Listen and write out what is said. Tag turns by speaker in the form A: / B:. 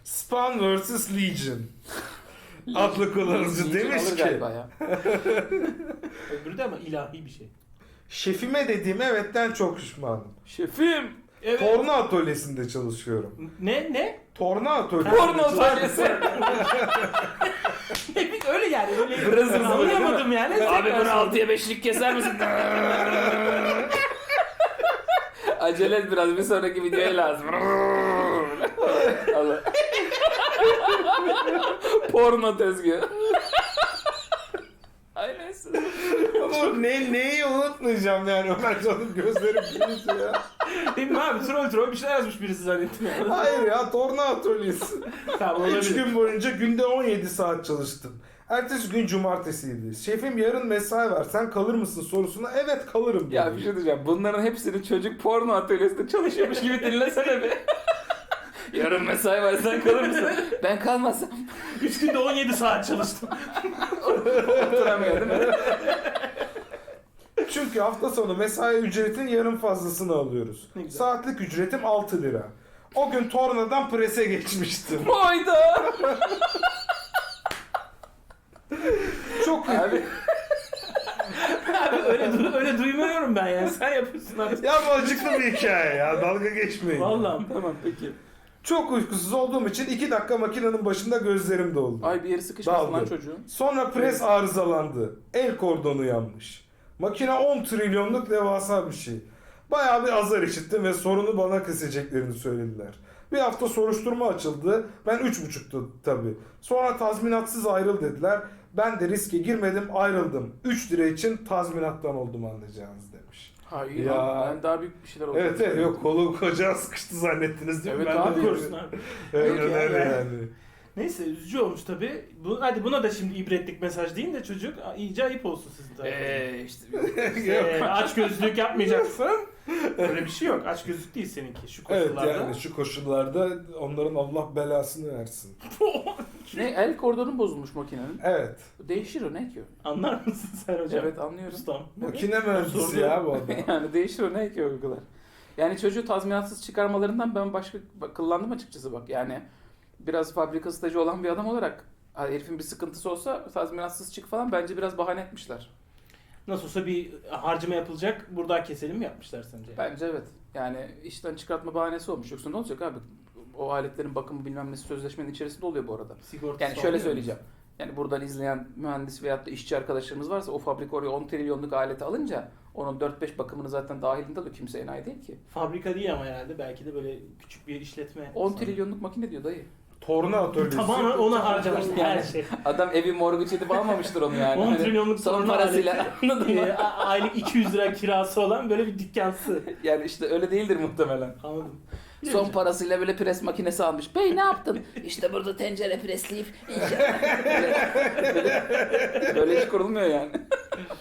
A: Spawn vs. Legion adlı kullanıcı demiş
B: Alır
A: ki
B: galiba ya.
C: Öbürü de ama ilahi bir şey.
A: şefime dediğim evetten çok pişmanım.
B: Şefim.
C: Evet.
A: Torna atölyesinde çalışıyorum.
C: Ne?
A: Torna atölyesi.
B: Porno atölyesi.
C: Öyle yani. Öyle
B: Brazil
C: anlayamadım yani.
B: Abi bunu 6'ya 5'lik keser misin? Acele et biraz, bir sonraki videoya lazım. Allah. Porno tezgahı. Ay neyse.
A: Ama neyi unutmayacağım yani Ömercan'ın gözleri büyüdü ya.
C: Değil mi abi? Troll bir şeyler yazmış birisi zannettim yani.
A: Hayır ya torna atölyesi.
C: Tamam
A: 3
C: olabilir.
A: gün boyunca günde 17 saat çalıştım. Ertesi gün cumartesiydi. Şefim yarın mesai var sen kalır mısın sorusuna evet kalırım dedi.
B: Ya bir şey diyeceğim. Bunların hepsini çocuk porno atölyesinde çalışıyormuş gibi dinlesene bir. Yarın mesai var, sen kalır mısın? Ben kalmazsam
C: 3 günde 17 saat çalıştım.
B: oturamıyor değil mi?
A: Çünkü hafta sonu mesai ücretin yarım fazlasını alıyoruz.
C: Ne güzel.
A: Saatlik ücretim 6 lira. O gün tornadan prese geçmiştim.
B: Hayda.
A: Çok
B: Abi
C: Abi öyle duymuyorum ben yani. Sen yapıyorsun abi.
A: ya bu acıklı bir hikaye ya dalga geçmeyin.
C: Vallahi.
B: tamam peki.
A: Çok uykusuz olduğum için 2 dakika makinenin başında gözlerim doldu.
B: Ay bir yeri sıkışmasın lan
A: Daldı.
B: çocuğun.
A: Sonra pres arızalandı. El kordonu yanmış. Makine 10 trilyonluk devasa bir şey. Bayağı bir azar işittim ve sorunu bana keseceklerini söylediler. Bir hafta soruşturma açıldı. Ben 3,5'tu tabii. Sonra tazminatsız ayrıl dediler. Ben de riske girmedim ayrıldım. 3 lira için tazminattan oldum anlayacağınız demiş.
B: Hayır
A: Ya.
B: ya. Ben daha büyük bir şeyler oldu.
A: Evet yok kolu kocağı sıkıştı zannettiniz değil mi?
B: Evet
A: Ben
B: abi.
A: de
C: Korkuyorsun abi.
A: öyle
C: Yok ya,
A: öyle
C: yani.
A: yani.
C: Neyse üzücü olmuş tabii. Hadi buna da şimdi ibretlik mesaj deyin de çocuk iyice ayıp olsun sizin tarafınızdan.
B: İşte
C: Aç gözlük yapmayacaksın. Öyle bir şey yok. Aç gözlük değil seninki şu
A: Evet
C: koşullarda.
A: yani şu koşullarda onların Allah belasını versin.
B: ne, el kordonu bozulmuş makinenin.
A: Evet.
B: Değişir o, ne ki o?
C: Anlar mısın sen hocam?
B: Evet anlıyorum.
C: Ustam.
A: Makine mühendisi
C: Sordu.
A: ya bu adam.
B: Yani değişir o, ne ki o kadar. Yani çocuğu tazminatsız çıkarmalarından ben kıllandım açıkçası bak. Yani biraz fabrika stajı olan bir adam olarak herifin bir sıkıntısı olsa tazminatsız çık falan, bence biraz bahane etmişler.
C: Nasıl olsa bir harcama yapılacak. Buradan keselim mi yapmışlar sence?
B: Bence evet. Yani işten çıkartma bahanesi olmuş. Yoksa ne olacak abi? O aletlerin bakımı bilmem nesi sözleşmenin içerisinde oluyor bu arada.
C: Sigortası
B: Yani şöyle
C: almıyor
B: söyleyeceğim. Yani buradan izleyen mühendis veyahut da işçi arkadaşlarımız varsa o fabrika oraya 10 trilyonluk aleti alınca onun 4-5 bakımını zaten dahilinde alıyor. Kimse enayi değil ki.
C: Fabrika değil ama herhalde. Belki de böyle küçük bir işletme.
B: 10 trilyonluk makine diyor dayı.
A: Torna atölyesi.
C: Tamamen ona harcamış her
B: Yani.
C: şey.
B: Adam evi mortgage edip almamıştır onu yani.
C: 10
B: Hani
C: trilyonluk
B: son
C: torna
B: parasıyla
C: aleti.
B: anladın mı?
C: Aylık 200 lira kirası olan böyle bir dükkansı.
B: Yani işte öyle değildir muhtemelen.
C: Anladım.
B: Son parasıyla böyle pres makinesi almış. Bey ne yaptın? İşte burada tencere presleyip böyle iş kurulmuyor yani.